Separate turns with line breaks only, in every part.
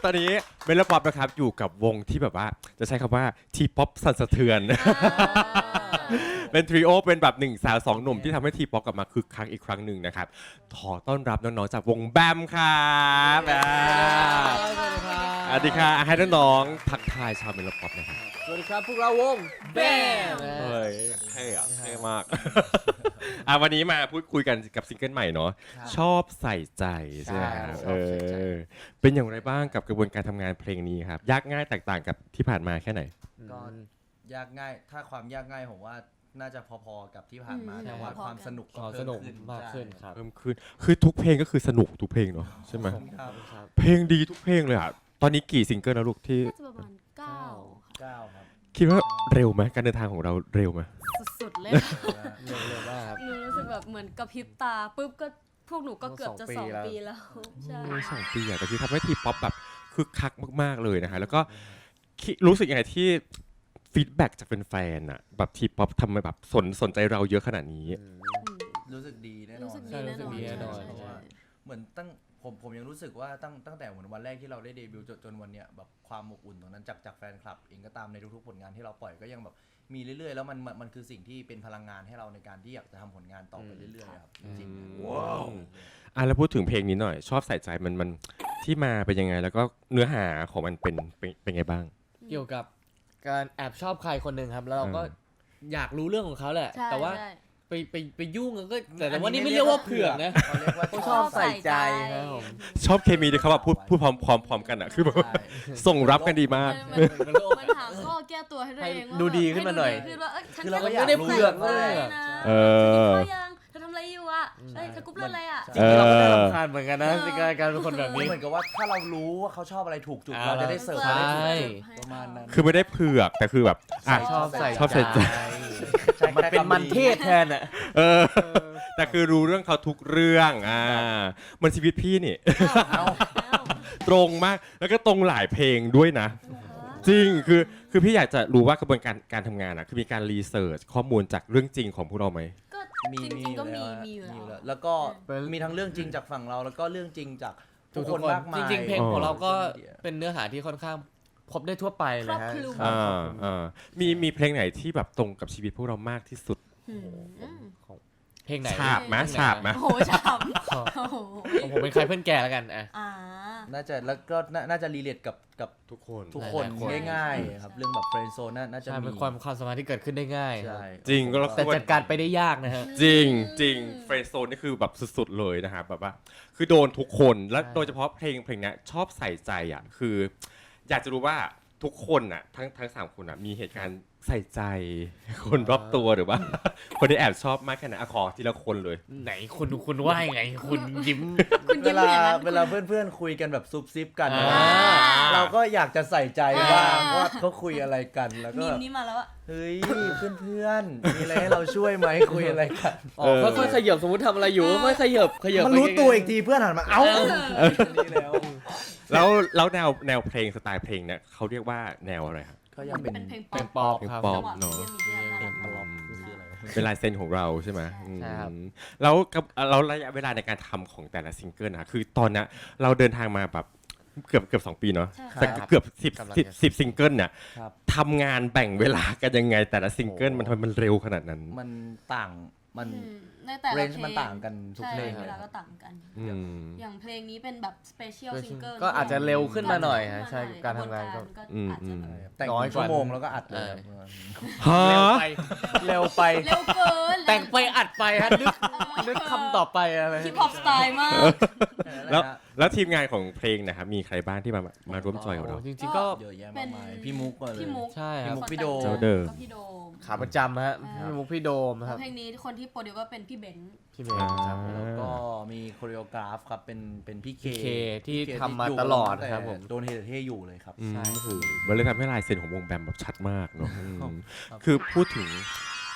ตอนนี้เมลป๊อปนะครับอยู่กับวงที่แบบว่าจะใช้คำว่าทีป๊อปสั่นสะเทือนเป็นทริโอเป็นแบบ1 สาว 2 หนุ่มที่ทำให้ทีป๊อปกลับมาคึกคักอีกครั้งหนึ่งนะครับขอต้อนรับน้องๆจากวงแบมครับสวัสดีค่ะให้น้องๆทักทายชาวเมลป๊อปนะครับ
สวัสดีครับพวกเราวงแบม
เฮ้ยเท่อะเท่มากวันนี้มาพูดคุยกันกับซิงเกิลใหม่เนาะชอบใส่ใจใช่ไหมครับเป็นอย่างไรบ้างกับกระบวนการทำงานเพลงนี้ครับยากง่ายแตกต่างกับที่ผ่านมาแค่ไหน
ก็ยากง่ายถ้าความยากง่ายผมว่าน่าจะพอๆกับที่ผ่านมาแต่ว่าความสนุกก็เพิ่มขึ้น
มากขึ้นครับ
เพิ่มขึ้นคือทุกเพลงก็คือสนุกทุกเพลงเนาะใช่ไหมเพลงดีทุกเพลงเลยอ่ะตอนนี้กี่ซิงเกิลแล้วลูกที่
น่าจะประมาณ9
ครับ
คิดว่าเร็วไหมการเดินทางของเราเร็วไหม
สุดๆเลย
เร็วมากครับ
หนูรู้สึกแบบเหมือนกระพริบตาปุ๊บก็พวกหนูก็เกือบจะ2 ปีแล้วใช่
2 ปีแต่คือทำให้ทีป๊อปแบบคึกคักมากๆเลยนะฮะแล้วก็รู้สึกยังไงที่ฟีดแบ็กจากแฟนๆอ่ะแบบทีป๊อปทำไมแบบสนใจเราเยอะขนาดนี้
รู้สึกดีแน่นอน
รู้สึกดีแน่นอน
เพราะว่าเหมือนผมยังรู้สึกว่าตั้งแต่เหมือนวันแรกที่เราได้เดบิวต์จนวันเนี้ยแบบความอบอุ่นตรงนั้นจากแฟนคลับเองก็ตามในทุกๆผลงานที่เราปล่อยก็ยังแบบมีเรื่อยๆแล้วมันคือสิ่งที่เป็นพลังงานให้เราในการที่อยากจะทำผลงานต่อไปเรื่อยๆครับจริงๆว้าว
แล้วพูดถึงเพลงนี้หน่อยชอบใส่ใจมันที่มาเป็นยังไงแล้วก็เนื้อหาของมันเป็นไงบ้าง
เกี่ยวกับการแอบชอบใครคนหนึ่งครับแล้วเราก็อยากรู้เรื่องของเขาแหละแต่ว่าไปยุ่งก็แต่ว่านี่ไม่เรียกว่าเผือกนะ
เขาเรียกว่า
ชอบใส่ใจครับผม
ชอบเคมีที่เขาแบบพูดพร้อมกันอ่ะคือแบบส่งรับกันดีมาก
มันหาข้อแก้ตัวให้ตัวเองว่า
ดูดีขึ้นมาหน่อย
คือเราก็อยากรู้
เผือกเลย
ยังเธอทำอะไรอยู่อ่ะเธอกรุ๊ปเรื่องอะไรอ่ะ
จริงๆเราก็ได้รำคาญเหมือนกันนะในการเป็นคนแบบนี้
เหมือนกับว่าถ้าเรารู้ว่าเขาชอบอะไรถูกจุดเราจะได้เสิร์ฟได้ถูกจุดประมาณนั้น
คือไม่ได้เผือกแต่คือแบบ
ชอบใส่
ใจ
มันเป็นมันเทศแทนอ่ะ
แต่คือรู้เรื่องเขาทุกเรื่องมันชีวิตพี่นี่ตรงมากแล้วก็ตรงหลายเพลงด้วยนะจริงคือพี่อยากจะรู้ว่ากระบวนการทำงานคือมีการรีเสิร์ชข้อมูลจากเรื่องจริงของพวกเราไหม
ก็จริงๆก็มีอยู่
แล้วก็มีทั้งเรื่องจริงจากฝั่งเราแล้วก็เรื่องจริงจากทุกคนมากมาย
จริงๆเพลงของเราก็เป็นเนื้อหาที่ค่อนข้างพบได้ทั่วไปเลยฮะ
มีเพลงไหนที่แบบตรงกับชีวิตพวกเรามากที่สุด
เพลงไหน
ฉาบไหม
โอ้โหฉาบ
ผมเป็นใครเพื่อนแกแล้วกัน
น่าจะแล้วก็น่าจะรีเลทกับ
ทุก
คนง่ายๆครับเรื่องแบบเฟรนด์โซนน่าจะมี
ความสามารถที่เกิดขึ้นได้ง่าย
จริง
แต่จัดการไปได้ยากนะฮะ
จริงเฟรนด์โซนนี่คือแบบสุดๆเลยนะครับแบบว่าคือโดนทุกคนและโดยเฉพาะเพลงนี้ชอบใส่ใจคืออยากจะรู้ว่าทุกคนทั้ง3 คนมีเหตุการณ์ใส่ใจคนรอบตัวหรือว่าคนที่แอบชอบมากแค่ไหนขอทีละคนเลย
ไหนคุณว่าไงคุณยิ้ม
เวลาเพื่อนๆคุยกันแบบซุบซิบกันเราก็อยากจะใส่ใจบ้างว่าเขาคุยอะไรกันแล้วก็
นี้มาแล้ว
เฮ้ยเพื่อนๆมีอะไรให้เราช่วยไหมคุยอะไรกัน
ค่อยๆขยับสมมติทำอะไรอยู่ค่อยๆขยับ
มันรู้ตัวอีกทีเพื่อนหันมาเอ้านี่
แล้วแนวเพลงสไตล์เพลงเนี่ยเขาเรียกว่าแนวอะไรครับ
ก็ยังเป็น
เพลงป๊อป
เนาะเป็นลายเซ็นของเราใช่ไหม
ใช่ครับ
แล้วระยะเวลาในการทำของแต่ละซิงเกิลคือตอนนี้เราเดินทางมาแบบเกือบ2 ปีเนาะแต่เกือบ10ซิงเกิลเนี่ยทำงานแบ่งเวลากันยังไงแต่ละซิงเกิลมันเร็วขนาดนั้น
มันต่างมันเรนจ์มันต่างกันทุกเพลง
เวลาก็ต่างกันอย่างเพลงนี้เป็นแบบสเปเชียลซิงเกิล
ก็อาจจะเร็วขึ้นมาหน่อยฮะใช่การทำงานก็
อาจจะ
แต่ง1 ชั่วโมงแล้วก็อัดเลย
เร็วไป
เกิน
แต่งไปอัดไปฮะนึกคำต่อไปอะไร
ฮิปฮอปสไตล์มาก
แล้วทีมงานของเพลงนะครับมีใครบ้างที่มาร่วมจอยกับเรา
จริงๆก็
เยอะแยะมากมายพี่มุก
ใช่ครับ
พี่โดม
ขาประจำฮะพี่มุกพี่โดมครับ
เพลงนี้คนที่โปรดิวก็เป็นพี่เบนซ์
ครับแล้วก็มีโคเรียกราฟครับเป็นพี่เค
ที่ทำมาตลอดครับผม
โดนเท่อยู่เลยครับ
ใช่คือมันเลยทำให้ลายเซ็นของวงแบมแบบชัดมากเนาะคือพูดถึง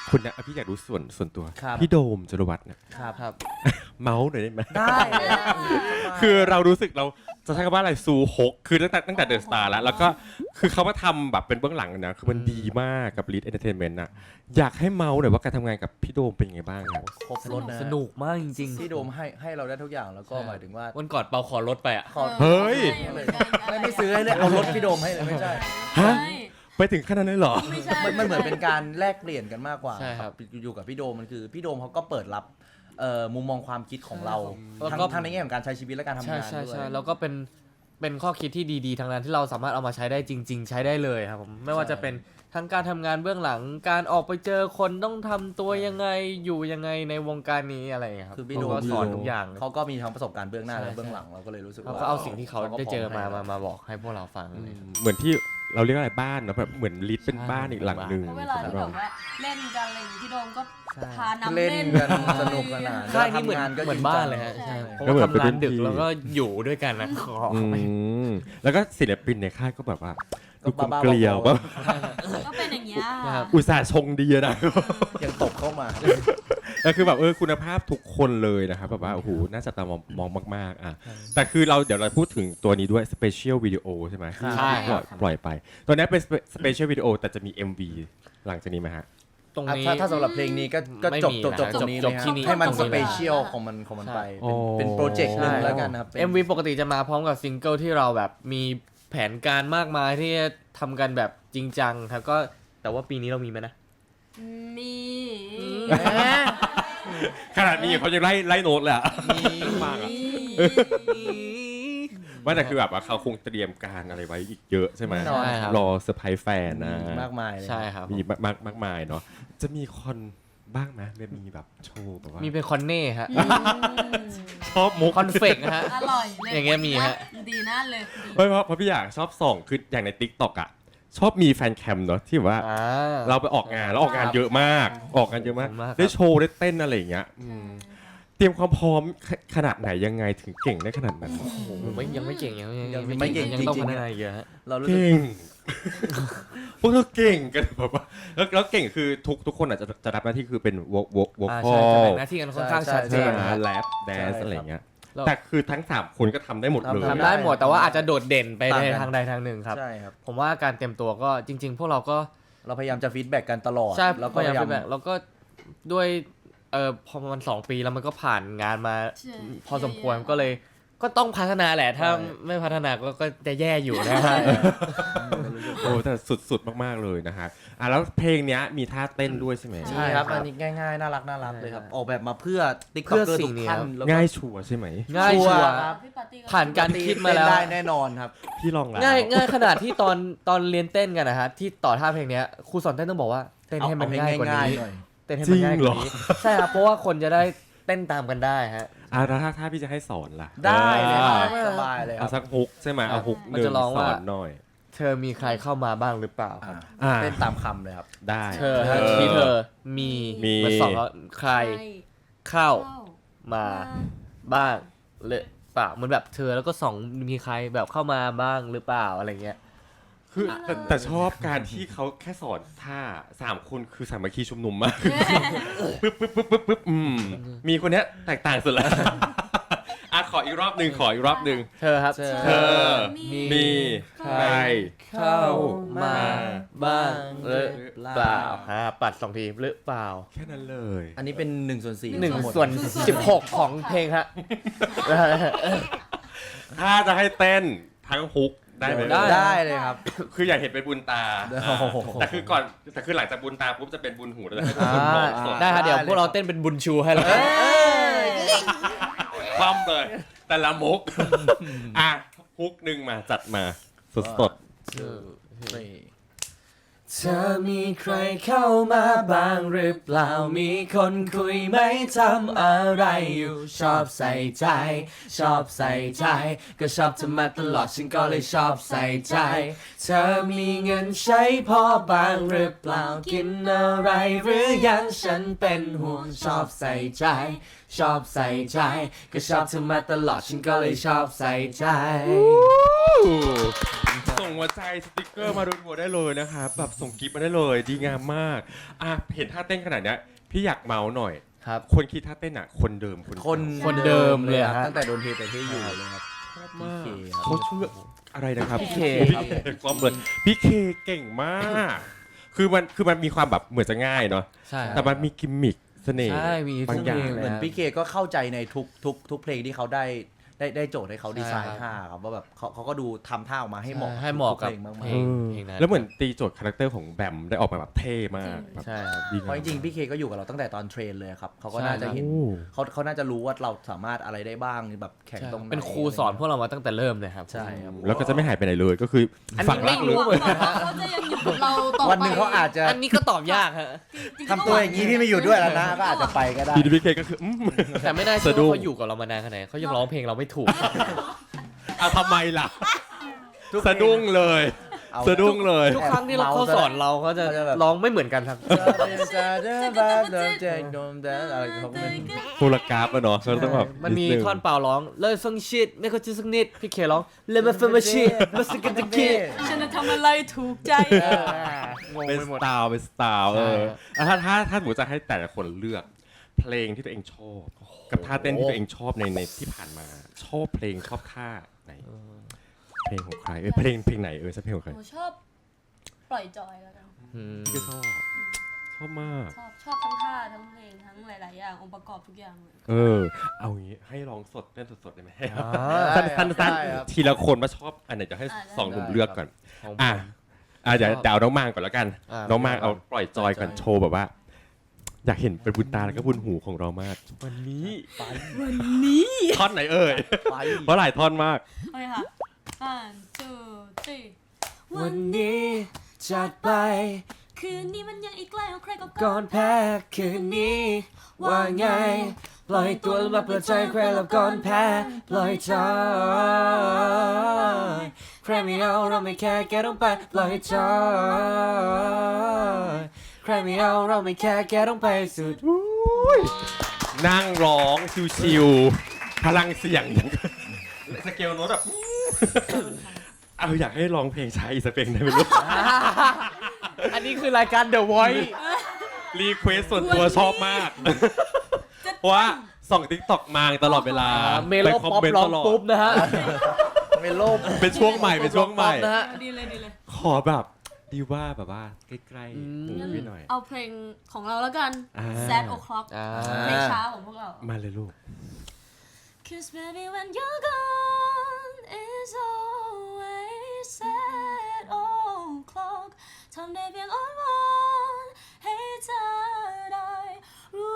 คุณนะพี่อยากรู้ส่วนตัว
ครับ
พี่โดมจรวัฒน์เนี่ย
ครับ
เมาส์หน่อยได้ไหม
ได้
คือเรารู้สึกเราจะใช้คำว่าอะไรซูฮกคือตั้งแต่เดอะสตาร์แล้วก็คือเขามาทำแบบเป็นเบื้องหลังนะคือมันดีมากกับ Lead Entertainment น่ะอยากให้เมาส์หน่อยว่าการทำงานกับพี่โดมเป็นยังไงบ้างครับ
ครบรถนะ
สนุกมากจริง
พี่โดมให้เราได้ทุกอย่างแล้วก็หมายถึงว่า
วันก่อนเปาขอรถไปอ่ะ
ขอ
เฮ้ย
ไม่ซื้อให้เลยเอารถพี่โดมให้เลยไม่ใช่
ฮะ ไปถึงขนาดนั้นเลยเหรอ
ไม่ใช่
มันเหมือนเป็นการแลกเปลี่ยนกันมากกว่า
ใช่ครับ
อยู่กับพี่โดมมันคือพี่โดมเขาก็เปิดรับมุมมองความคิดของเรา
แล้วก็
ทั้งในแง่ของการใช้ชีวิตและการทำ
ใช่
งาน
ใช่
ด้วย
ใช่แล้วก็เป็นข้อคิดที่ดีๆทางนั้นที่เราสามารถเอามาใช้ได้จริง ๆ ใช้ได้เลยครับผมไม่ว่าจะเป็นทั้งการทำงานเบื้องหลังการออกไปเจอคนต้องทำตัวยังไงอยู่ยังไงในวงการนี้อะไรอย่างเงี้ยครับ
คือพี่โดม
เขาก็สอนทุกอย่าง
เขาก็มีทั้งประสบการณ์เบื้องหน้า
ใช่
และเบื้องหลังเราก็เลยรู้สึก
เขา
ว่า
ก็เอาสิ่งที่เขา
ก็
ได้เจอ
พร้
มาบอกให้พวกเราฟังเลย
เหมือนที่เราเรียกอะไรบ้านเนอะแบบเหมือนลิดเป็นบ้านอีกหลังหนึ่ง
เพราะเวลาที่แบบว่าเล่นกันอะไรอย่างงี้พี่โดมก็พาน้ำ
เล่น
เล่น
กันสนุกสนาน
ค่ายนี้เหมือน
ทำงานก็
เหมือน
จริง
บ้าน
จัง
เลยฮะ
ใช่
ใช่เพราะว่าทำงานดึกแล้วก็อยู่ด้วยกันนะขอ
อืมแล้วก็ศิลปินในค่ายก็แบบว่า
ก็
ดูกลม
บ้าๆ
เกลียว
บอ
ว่า
ก็เป็นอย่างเงี้ย
ครับ
อุตส่าห์ชงดีอะนะ
ยังตกเข้ามา
แล้วคือแบบคุณภาพทุกคนเลยนะครับแบบว่าโอ้โหน่าจะตามองมากๆอ่ะแต่คือเราเดี๋ยวเราพูดถึงตัวนี้ด้วย Special Video ใช่ไหมที่
ใช่ครับ
ปล่อยไปตัวนี้เป็น Special Video แต่จะมี MV หลังจากนี้ไหมฮะ
ตรงนี้
ถ้าสำหรับเพลงนี้ก็
ไม่
จบ
มี
จบ
นะ
จบตรงนี้
จ
เล
บ
ย
ที่นี่
ให้มัน
ตรง
ส
นี้
เปเชียลของมันไป
อ๋อ
เป็นโปรเจกต์หนึ่ง
ใช่
แล้วกันนะครับเป็น
MV ปกติจะมาพร้อมกับซิงเกิลที่เราแบบมีแผนการมากมายที่จะทำกันแบบจริงจังครับก็แต่ว่าปีนี้เรามีไหมนะ
มี
ขนาดนี้เขาจะไล่โน้ตเลยอะมากอะว่าแต่คือแบบว่าเขาคงเตรียมการอะไรไว้อีกเยอะใช่ไหม
แน่นอน
ใช่ครับ
รอเซอร์ไพรส์แฟนนะ
มากมายเลย
ใช่ครับ
มีมากมายเนาะจะมีคอนบ้างไหมมีแบบโชว์แบบว่า
มีเป็นคอนเน่ฮะ
ชอบมุก
คอนเฟกนะฮะ
อร่อยเลย
อย่างเงี้ยมีฮะ
ดีน่าเลยดี
เพราะพี่อยากชอบส่องคืออย่างใน TikTok อ่ะชอบมีแฟนแคมเนาะที่แบบว่า เราไปออกงานแล้วออกงานเยอะมากออกงานเยอะมาก
ขอบคุณมากครับ
ได้โชว์ได้เต้นอะไรอย่างเงี้ยเตรียมความพร้อมขนาดไหนยังไงถึงเก่งได้ขนาดนั้น
ผมยังไม่เก่งยัง
ไม่เก่ง
ยังต้อง
จริงๆ
พัฒนาอีกเยอะฮะ
เรารู้สึก
เก่ง พวกเราเก่งกันแบบว่าแล้วเก่งคือทุกคนอาจจะรับหน้าที่คือเป็นวอ
อ่า
คอ
ใช่จะ
ล
แบ่งหน้าที่กันค่อนข้างชัดเจ
ใช่
น
ไหม
นะ
แรปแดนซ์
ใช่
อะไรอย่างเงี้ย
แล้ว
แต่คือทั้ง3คนก็ทำได้หมดเลย
ทำ
ทำได้หมดแต่ว่าอาจจะโดดเด่นไป
ต่าง
ใน
กัน
ทางใดทางหนึ่งครับ
ใช่ครับ
ผมว่าการเตรียมตัวก็จริง ๆ พวกเราก็
เราพยายามจะฟีดแบ็กกันตลอด
ใช่
แล้ว
พ
ก็
ยายาม
พยายาม
ฟีดแบ็กแล้วก็ด้วยพอมัน2 ปีแล้วมันก็ผ่านงานมา
ใช่
พอสมควรก็เลยก็ต้องพัฒนาแหละถ้าไม่พัฒนาก็จะแย่อยู่นะฮะ
โอ้แต่สุดๆมากๆเลยนะฮะแล้วเพลงเนี้ยมีท่าเต้นด้วยใช่ไหม
ใช่ครับอันนี้ง่ายๆน่ารักเลยครับ ออกแบบมาเพื่อติ๊ก
เพื่
ต็อก
อ
เกอร์
สิ่
ทุ
ง
ก
นี้
ท่าน
ครับ
แล้วก็
ง่ายชัวร์ใช่ไหม
ง่ายชัวร์
ครับ
พี่ปาร์ตี้
ผ่านการคิดมาแล้ว
เต้นได้แน่นอนครับ
พี่ลองแล้ว
ง่ายขนาดที่ตอนเรียนเต้นกันนะฮะที่ต่อท่าเพลงเนี้ยครูสอนเต้นต้องบอกว่าเต้นให้มันง่ายกว่านี้
หน่อย
เต้นให้มันง่ายกว่านี้ใช่ครับเพราะว่าคนจะได้เต้นตามกันได้ฮะ
แล้วถ้าพี่จะให้สอนล่ะ
ได้เลยครับ
อ่า
สบายเลยค
เอา
รับ
สักฮุกใช่ไหมเอาฮุกห
มัน
นึ่ง
จะร้อง
ส
ว่า
อนหน่อย
เธอมีใครเข้ามาบ้างหรือเปล่าครับ
เต้นตามคำเลยครับ
ได้
เธอฮะที่เธอมี มันสองว่าใครเข้ามาบ้างหรือเปล่าเหมือนแบบเธอแล้วก็สองมีใครแบบเข้ามาบ้างหรือเปล่าอะไรเงี้ย
คือแต่ชอบการที่เขาแค่สอนท่า3 คนคือสามัคคีชุมนุมมากปึ๊บมีคนเนี้ยแตกต่างสุดแล้วขออีกรอบหนึ่ง
เธอครับ
เธอมีใคร
เข้ามาบ้างหรือเปล่าปัด2 ทีหรือเปล่า
แค่นั้นเลย
อันนี้เป็น1/4
1/16ของเพลงฮะ
ถ้าจะให้เต้นทั้งฮุกได้ไหม
ได้เลยครับ
คืออยากเห็นเป็นบุญตา
โอ้โห
แต่คือหลังจากบุญตาปุ๊บจะเป็นบุญหูแล้วจะให้เป็นบุญหมอสด
ได้ครับเดี๋ยวพวกเราเต้นเป็นบุญชูให้แล้วกัน
คว่ำเลยแต่ละมุกฮุกหนึ่งมาจัดมาสด
เธอมีใครเข้ามาบ้างหรือเปล่ามีคนคุยไหมทำอะไรอยู่ชอบใส่ใจก็ชอบเธอมาตลอดฉันก็เลยชอบใส่ใจเธอมีเงินใช้พอบ้างหรือเปล่ากินอะไรหรือยังฉันเป็นห่วงชอบใส่ใจก็ชอบเธอมาตลอดฉันก็เลยชอบใส่ใจ
ๆสหัวใจสติกเกอร์มาดูหัวได้เลยนะครับแบบส่งกิฟต์มาได้เลยดีงามมากเห็นท่าเต้นขนาดเนี้ยพี่อยากเมาส์หน่อย
ครับ
คนคิดท่าเต้นอ่ะคนเดิม
คนเดิมเลย
ครับ
ฮะ
ตั้งแต่โดนเทแต่ที่อยู่เลยครับ
ชอบมาก
พี่เคครับ
เขาชื่ออะไรนะครับ
พี่เค
ครับความเลยพี่เคเก่งมากคือมันมีความแบบเหมือนจะง่ายเนาะ
ใช่
แต่มันมีกิมมิคเสน่ห์
ใช่มี
บางอย่าง
ทุกเพลง
เหมือนพี่เคก็เข้าใจในทุกเพลงที่เขาได้โจทย์ให้เขาดีไซน์
ใช่ครับ
ท่าครับว่าแบบเขาก็ดูทำท่าออกมาให้เหมาะ
ให้เหมาะกับ
ทุเพลงมาก
เพลง นั้น
แล้วเหมือนตีโจทย์คาแรคเตอร์ของแบมได้ออกมาแบบเท่มากแบบ
ใช่ครับ
ดี
ๆเพราะจริงๆพี่เคก็อยู่กับเราตั้งแต่ตอนเทรนเลยครับเขาก็น่าจะเห็น
โอ้
เขาน่าจะรู้ว่าเราสามารถอะไรได้บ้างแบบแข่งตรงไหน
เป็นครูสอนพวกเรามาตั้งแต่เริ่มเลยครับ
ใช่ครับ
แล้วก็จะไม่หายไปไหนเลยก็คืออน
นี้
ฝังรัก
ไม่
เล
รู้
ย
เหมือนกัน
เขาจะยังอยู่กับเราต่อไป
วันหนึ่งเขาอาจจะ
อันนี้ก็ตอบยากฮะ
จริๆ
ทำตัวอย่างนี้พี่ไม่อยู่ด้วยแล้วนะก็อาจจะไปก็ได้
พีดีพีเคก็คือ
แต่ไม่น่าเชื่อ
สะดุ้ง
ว่าเขาอยู่กับเรามานานขนาดไหนเขายังร้องเพลงเราไม่ถูก
ทำไมล่ะ
ทุกเพลง
สะดุ้งเลย
เอา
สะดุ้งเลย
ทุกครั้งที่เขาสอนเราเขาจะ
เขาจะแบบ
ร้องไม่เหมือนกันครับ
อะไรเขาก็ไม่
โทรกราฟอะเนาะเขาต้องแบบ
มันมี
ดง
ท่อนเปล่าร้องเลยฟังชิดไม่เข้าใจสักนิดพี่เคร้องเลยมาฟังมาชิดมาสกินตะกี้
ฉันจะทำอะไรถูกใจ
งง
เป็น
ไป
ส
หมด
ไตล์เป็นสไตล์
ใช่
ถ้าหนูจะให้แต่ละคนเลือก เพลงที่ตัวเองชอบ กับท่าเต้นที่ตัวเองชอบในที่ผ่านมา ชอบเพลงชอบท่าไหน เพลงของใครเพลงไหนสักเพลงของใคร
หนูชอบปล่อยจอยแล้วกัน
อืม
ก็ชอบมาก
ชอบทั้งท่าทั้งเพลงทั้งหลาย ๆ อย่างองค์ประกอบทุกอย่างเลย
เอางี้ให้ร้องสดเต้นสดๆได้ไหม
ได้
สั้น
ได้ครับ
ๆทีละคนมาชอบอันไหนจะให้
ได้
สองหนุ่มเลือกก่อน
ของผม
เดี๋ยวเอาน้องมางก่อนแล้วกัน น้องมางเอาปล่อยจอยก่อนโชว์แบบว่า อยากเห็นเป็นบุญตาแล้วก็บุญหูของเรามาก
วันนี้
วันนี้
ท่อนไหนเอ่ย
ไป
เพราะหลายท่อนมาก
โอเคค่ะ one two three
วันนี้จัดไป
คืนนี้มันยังอีกไกลเอาใครก็
ก่อนแพ้คืนนี้ ว่าไง ปล่อยตัวแล้วมาเปิดใจใครแล้วก่อนแพ้ปล่อยจอยใครไม่เอาเราไม่แค่แกต้องไปปล่อยจอยใครไม่เอาเราไม่แค่แกต้องไปสุด
นั่งร้องชิวๆพลังเสียงอย่างสเกลโน้ตแบบเอาอยากให้ร้องเพลงชายอีกสักเพลงได้ไหมลูก
อันนี้คือรายการ The Voice
รีเควสส่วนตัวชอบมาก เพราะว่าส่องติ๊กต็อกมาตลอดเวลา
เมโล
ไปคอ
ป๊อป
เมนต์
ร้อ
ต
ง
ลอด
ปุ๊บนะฮะ
เป็นโลก
เป็นช่วงใหม่เป็นช่วงใหม่
นะฮะ
ดีเลยดีเลย
ขอแบบดีว่าแบบว่าใกล้
อืม
ๆหูพี่หน่อย
เอาเพลงของเราแล้วกัน
อ่า
Sad O'Clock
อ่า
เพลงช้าของพวกเรา
มาเลยลูก
Cause baby when you're gone is always sad o'clock ทำได้เพียงอ้อนวอนให้เธอได้รู้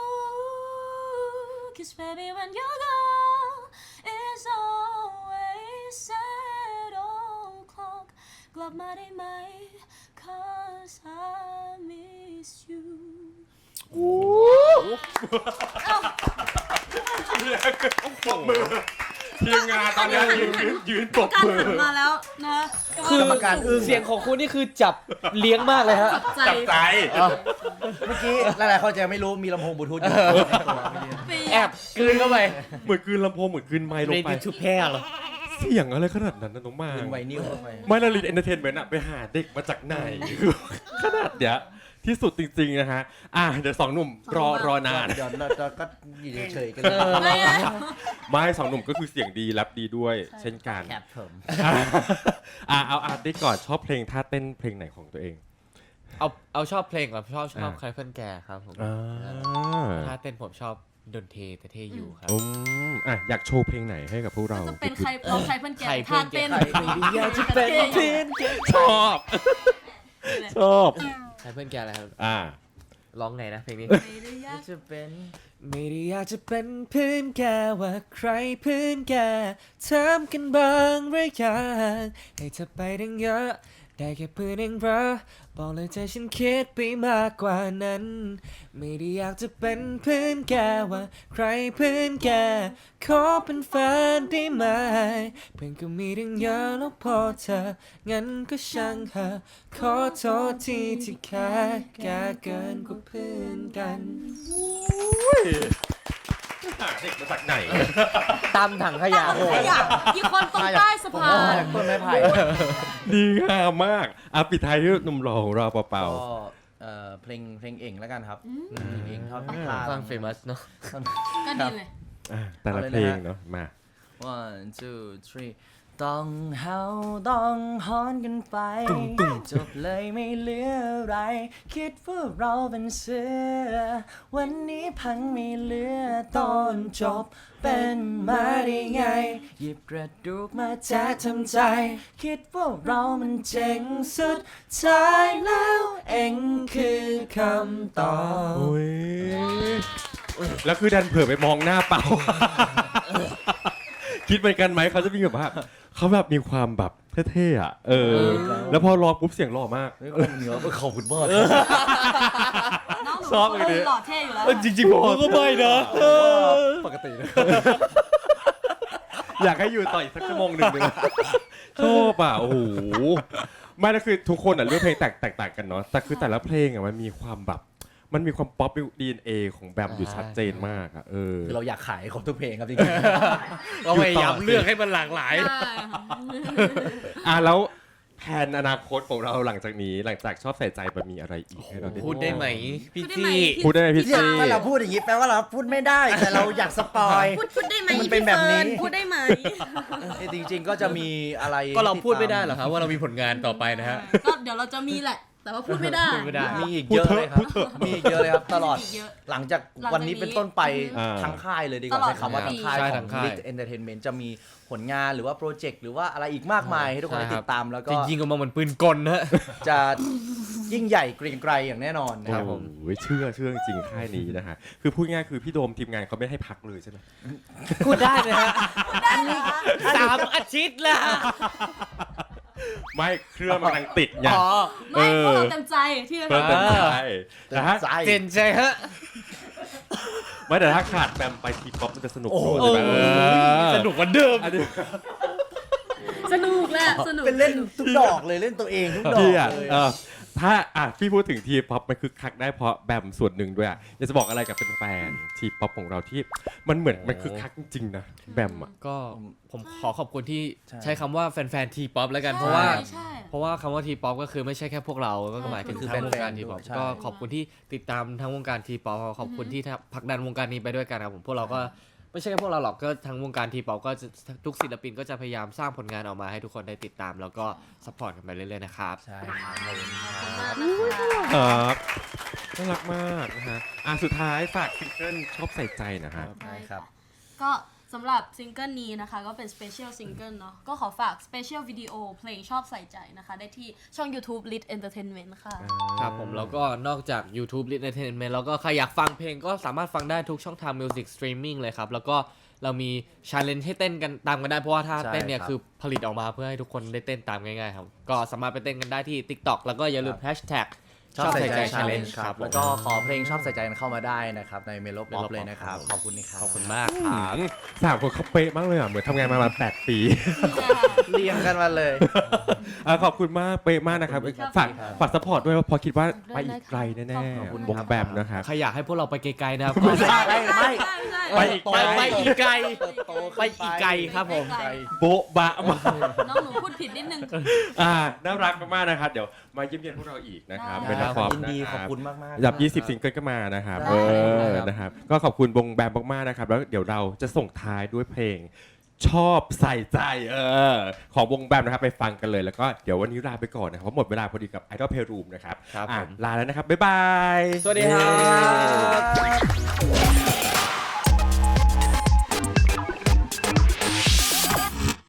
Cause baby when you're gone is always sad o'clock กลับมาได้ไหม Cause I miss you
ปรบมือทีมงานตอนนี้ยืนปรบ
การ
มือ
หันมาแล้วนะ
คือก
รรมการอึ้ง
เสียงของคุณนี่คือจับเลี้ยงมากเลยฮะ
ใจ
จับใจ
เมื่อกี้หลายๆคนจะไม่รู้มีลำโพงบลูทูธอยู่
แอบกลืนเข้าไป
เหมือนกลืนลำโพงเหมือนกลืนไมค์ลงไป
Ready to pair เหรอ
เสียงอะไรขนาดนั้นนะน้องมา
เป็นไวนิลเข้าไป
ไม่ละลินเอนเตอร์เทนเมนต์อะไปหาเด็กมาจากไหน ขนาดเนี้ยที่สุดจริงๆนะฮะเดี๋ยวสองหนุ่มรอนาน
เดี๋ยวเราก็อยู่เฉยๆกัน
เออ
อะไรอะ
ไม่สองหนุ่มก็คือเสียงดีแรปดีด้วย เช่นกัน
แคปผม
เอาอาร์ตได้ก่อนชอบเพลงท่าเต้นเพลงไหนของตัวเอง
เอาชอบเพลงก่อนชอบ
อ่า
ใครเพื่อนแกครับผม
อ่า
ถ้าเต้นผมชอบดนเทแต่เทอยู่ครับ
อยากโชว์เพลงไหนให้กับพวกเรา
จะเป็นใครร้องใครเพื่อนแก่
ใครเพื่
ท่า
อนแก่
เต้น
อยากจะเป็นเพื่อนแก
ชอบชอบ
ใครเพื่อนแกอะไรครับ ร้องไงนะเพลงนี้
ไม่ได้ยาก
จะเป็น
ไม่ได้อยากจะเป็นเพื่อนแกว่าใครเพื่อนแกถามกันบ้างหรือยังให้เธอไปดังเยอะได้แค่เพื่อนเองเหรอบอกเลยใจฉันคิดไปมากกว่านั้น ไม่ได้อยากจะเป็นเพื่อนแกว่าใครเพื่อนแกขอเป็นแฟนได้ไหมเพื่อนก็มีดังเยอะแล้วพอเธองั้นก็ช่างเถอะขอโทษทีที่แค่แกเกินกว่าเพื่อนกัน
ใเด็กมาจากไหน
ตามถังขยะ
ขยะอีกคนตรงใต้สะพาน
ต้นไม้ไผ่
ดีงามมากปิดท้ายที่หนุ่มหล่อของเราเปล่า
ก็เพลงเองแล้วกันครับเพลงเองเท่าที่พลาด
ฟังเฟมัสเนาะ
ก็ดีเลย
ๆแต่ละเพลงเนาะมา
1 2 3ต้องเฮาต้องฮอนกันไปจบเลยไม่เหลืออะไรคิดว่าเราเป็นเสือวันนี้พังไม่เหลือตอนจบเป็นมาได้ไงหยิบกระดูกมาแจะทำใจคิดว่าเรามันเจ๋งสุดท้ายแล้วเองคือคำตอบ
โอ้ยแล้วคือดันเผื่อไปมองหน้าเปล่า คิดเหมือนกันไหมเขาจะมีแบบว่าเขาแบบมีความแบบเท่ๆอ่ะแล้วพอร้องปุ๊บเสียงหล่อมาก
เหนือขอบคุณมาก
น้องหนู
ชอบเลยดิ
หล่อเท่อยู่แล้ว
จริงๆผมก็ไม่นะ
ปกตินะ
อยากให้อยู่ต่ออีกสักชั่วโมงหนึ่งเลยชอบอ่ะโอ้โหไม่แล้วคือทุกคนอ่ะเลือกเพลงแตกต่างกันเนาะแต่คือแต่ละเพลงอ่ะมันมีความแบบมันมีความป๊อป DNA ของแบมอยู่ชัดเจนมากอ่ะ
คือเราอยากขายของทุกเพลงครับจริง
เราพยายามเลือกให้มันหลากหลาย
ใช่ค่ะ
แล้วแผนอนาคตของเราหลังจากนี้หลังจากชอบใส่ใจมันมีอะไรอีกให้เราได้
พูดได้ไหมพี่
พูดได้ไหม
จี้
พูดได้ไหมพี่
เนี่ย
ซี
ถ้าเราพูดอย่างนี้แปลว่าเราพูดไม่ได้แต่เราอยากสปอย
พูดได้ไหม
มันเป็นแบบนี้
พี่ฟิร์พูดได้ไหม
จริงๆก็จะมีอะไร
ก็เราพูดไม่ได้เหรอครับว่าเรามีผลงานต่อไปนะฮะ
ก็เดี๋ยวเราจะมีแหละ แต่ว่าพูดไม่ได้
พูดไม่ได้
มีอีกเยอะเลยครับมีอีกเยอะเลยครับตลอด
มีกเยอะ
หลังจากวันนี้เป็นต้นไปทั้งค่ายเลยดีกว่า
ตลอด
ใช้คำว่าทั้งค่าย
ใช่
ข
ทั้
อง
งค่าย
Lit Entertainment จะมีผลงานหรือว่าโปรเจกต์หรือว่าอะไรอีกมากมายให้ทุกคนได้ติดตามแล้วก็
จะยิงออกมาเหมือนปืนกลนะฮะ
จะยิ่งใหญ่เกรียงไกรอย่างแน่นอนนะครับผม
โอ้ยเชื่อจริงค่ายนี้นะฮะคือพูดง่ายคือพี่โดมทีมงานเขาไม่ให้พักเลยใช่ไหม
พูดได้นะฮะ3 อาทิตย์แล้ว
ไม่เครื่องมันกำลังติดไง
อ๋อ
ไม่พวกเราเต็มใจที่จะ
เพิ่ม
ทำ
เต็มใจแต่ถ้า
ใจ
เจนใจฮะ
ไม่แต่ถ้าขาดแบมไปทีป๊อปมันจะสนุก
โอ้โห
ใช่ไหม
สนุกกว่าเดิม
อันนี้
สนุกแหละสนุก
เป็นเล่นทุกดอกเลยเล่นตัวเองทุกดอก
พี่อ่ะ
เลย
ถ้าพี่พูดถึงทีป๊อปมันคือคักได้เพราะแบมส่วนหนึ่งด้วยอ่ะอยากจะบอกอะไรกับแฟนๆทีป๊อปของเราที่มันเหมือนมันคือคักจริงๆนะแบมอ่ะ
ก็ผมขอขอบคุณที่
ใช่
ใช้คำว่าแฟนๆทีป๊อปแล้วกัน เพราะว่า
ใช่
เพราะว่าคำว่าทีป๊อปก็คือไม่ใช่แค่พวกเรา ก็หมายถึง
คือ
ทั้งวงการ
แฟนๆ
ทีป๊อป
ใช่
ก็ขอบคุณที่ติดตามทั้งวงการทีป๊อปขอบคุณที่ผลักดันวงการนี้ไปด้วยกันครับผมพวกเราก็ไม่ใช่แค่พวกเราหรอกก็ทั้งวงการทีป๊อปก็จะทุกศิลปินก็จะพยายามสร้างผลงานออกมาให้ทุกคนได้ติดตาม แล้วก็ซัพพอร์ตกันไปเรื่อยๆนะครับ
ใช่ครับขอบคุณครับ
มากนะคะ
ครับน่ารักมากนะฮะสุดท้ายฝากซิงเกิลชอบใส่ใจนะฮะ
ใช่ครับ
ก็สำหรับซิงเกิลนี้นะคะก็เป็นสเปเชียลซิงเกิลเนาะก็ขอฝากสเปเชียลวิดีโอเพลงชอบใส่ใจนะคะ ได้ที่ช่อง YouTube Lit Entertainment ค่ะ
ครับผมแล้วก็นอกจาก YouTube Lit Entertainment แล้วก็ใครอยากฟังเพลงก็สามารถฟังได้ทุกช่องทาง Music Streaming เลยครับ แล้วก็เรามี challenge ให้เต้นกันตามกันได้เพราะว่าถ้า
ใช่
เต้นเนี่ย
ครับ
คือผลิตออกมาเพื่อให้ทุกคนได้เต้นตามง่ายๆครับ ก็สามารถไปเต้นกันได้ที่ TikTok แล้วก็อย่าลืม hashtag
ชอบใส่ใจ
challenge
challenge
ครับ
แล้วก็ขอเพลงชอบใส่ใจเข้ามาได้นะครับในเมโลป๊อป
Melo
เลยนะครับ
Pop
ขอบคุณนะครับ
ขอบคุณมากครับ
สามคนเขาเป๊ะมากเลยอ่ะเหมือนทำงานมา8 ปี
เรียงกันมาเลย
ขอบคุณมากเป๊ะมากนะครับ
ขอบคุณครับ
ฝากซัพพอร์ตด้วยเพราะคิดว่าไปอีกไกลแน่
ขอบคุณ
ๆ
คว รั
ง
บ
แบมนะครับ
ใครอยากให้พวกเราไปไกลๆนะครับ
ไม่ใช่ไม่
ไปอีกไกล
ไปอีกไกล
โต
ไปอีกไกลครับผม
ไกล
โบ๊ะบะมาก
น้องหนูพูดผิดนิดนึง
น่ารักมากๆนะครับ เดี๋ยวมาเยี่ยมเยียนพวกเราอีกนะครับ
ได้
เป็น
ค
ละ
รับ
คร
ยินดี
นะ
ข
ค
อบ
รับ
คุณมากๆ
อันดับ
ครับ
20 ซิงเกิลก็มานะครับ
ได้
นะครับ ก็ขอบคุณวงแบมมากๆนะครับ แล้วเดี๋ยวเราจะส่งท้ายด้วยเพลง ชอบใส่ใจของวงแบมนะครับไปฟังกันเลยแล้วก็เดี๋ยววันนี้ลาไปก่อนนะครับเพราะหมดเวลาพอดีกับ Idol Playroom นะครับ
ครับผม
ลาแล้วนะครับบ๊ายบาย
สวัสดีครับ